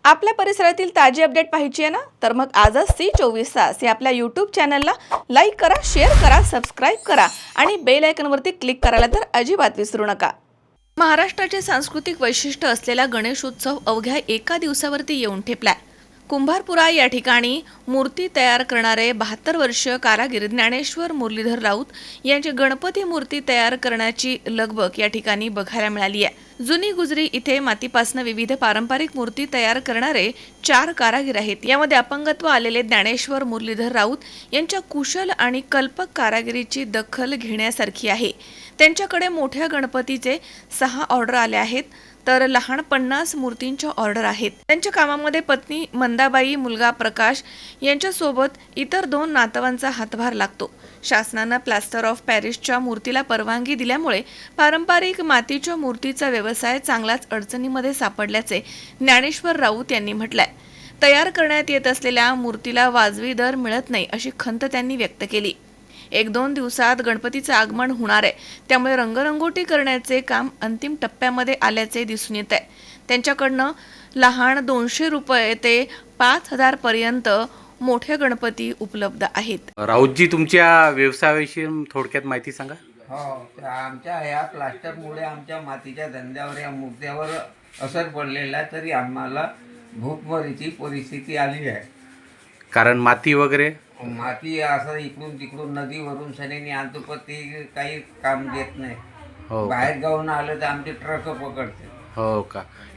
आपल्या परिसरातील ताजी अपडेट पाहिजे ना, तर मग आजच C24 तास या आपल्या यूट्यूब चॅनलला लाईक करा, शेअर करा, सबस्क्राईब करा आणि बेल आयकॉनवरती क्लिक करायला तर अजिबात विसरू नका. महाराष्ट्राचे सांस्कृतिक वैशिष्ट्य असलेला गणेशोत्सव अवघ्या एका दिवसावरती येऊन ठेपलाय. कुंभारपुरा या ठिकाणी मूर्ती तयार करणारे 72 वर्षीय कारागीर ज्ञानेश्वर मुरलीधर राऊत यांची गणपती मूर्ती तयार करण्याची लगबग या ठिकाणी बघायला मिळाली आहे. जुनी गुजरी इथे मातीपासून विविध पारंपरिक मूर्ती तयार करणारे 4 कारागीर आहेत. यामध्ये अपंगत्व आलेले ज्ञानेश्वर मुरलीधर राऊत यांच्या कुशल आणि कल्पक कारागिरीची दखल घेण्यासारखी आहे. त्यांच्याकडे मोठ्या गणपतीचे 6 ऑर्डर आले आहेत, तर लहान 50 मूर्तींच्या ऑर्डर आहेत. त्यांच्या कामामध्ये पत्नी मंदाबाई, मुलगा प्रकाश यांच्यासोबत इतर 2 नातवांचा हातभार लागतो. शासनानं प्लास्टर ऑफ पॅरिसच्या मूर्तीला परवानगी दिल्यामुळे पारंपरिक मातीच्या मूर्तीचा व्यवसाय चांगलाच अडचणीमध्ये सापडल्याचे ज्ञानेश्वर राऊत यांनी म्हटलंय. तयार करण्यात येत असलेल्या मूर्तीला वाजवी दर मिळत नाही अशी खंत त्यांनी व्यक्त केली. 1-2 दिवसात गणपतीचं आगमन होणार आहे, त्यामुळे रंगरंगोटी करण्याचे काम अंतिम टप्प्यामध्ये आल्याचे दिसून येत आहे. त्यांच्याकडनं लहान 200 रुपये ते 5000 पर्यंत मोठे गणपती उपलब्ध आहेत. राऊतजी, तुमच्या व्यवसायाविषयी थोडक्यात माहिती सांगा. हो, तर आमच्या ह्या प्लास्टरमुळे आमच्या मातीच्या धंद्यावर, या मूर्त्यावर असर पडलेला आहे. तरी आम्हाला भूकमरीची परिस्थिती आली आहे. कारण माती वगैरे माती असं इकडून तिकडून नदीवरून सनेनी आणतो, पण ते काही काम देत नाही. हो का? बाहेर गावून आलं तर आमचे ट्रक पकडते. हो का?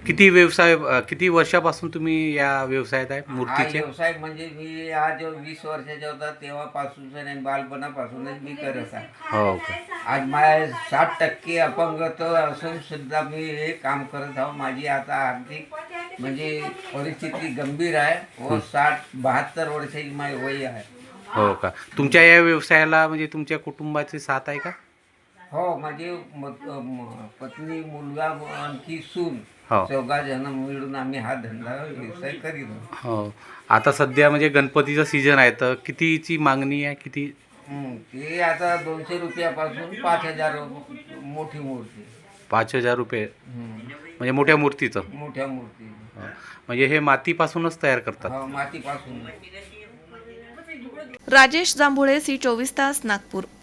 किती वर्षापासून तुम्ही या व्यवसायात आहे हा मूर्तीचे? व्यवसाय म्हणजे मी आज 20 वर्षाचा होता तेव्हापासून नाही, बालपणापासूनच मी करत आहे. हो का? आज माझ्या 60% अपंगत्व असून सुद्धा मी हे काम करत आहो. माझी आता आर्थिक म्हणजे परिस्थिती गंभीर आहे व 72 वर्षाची माझी वय आहे. हो का? तुमच्या या व्यवसायाला म्हणजे तुमच्या कुटुंबाची साथ आहे का? हो, माझी पत्नी, मुलगा, आणखी सून, हो. 4 जण मिळून आम्ही हा धंदा व्यवसाय करीत आहोत. हो. आता सध्या म्हणजे गणपतीचं सीझन आहे, तर कितीची मागणी आहे? किती? ते आता 200 रुपयापासून 5000 मोठी मूर्ती. 5000 रुपये म्हणजे मोठ्या मूर्तीचं? मोठ्या मूर्ती. हो. म्हणजे हे मातीपासूनच तयार करतात? हो, मातीपासून. राजेश जांभुळे, C24 तास, नागपूर.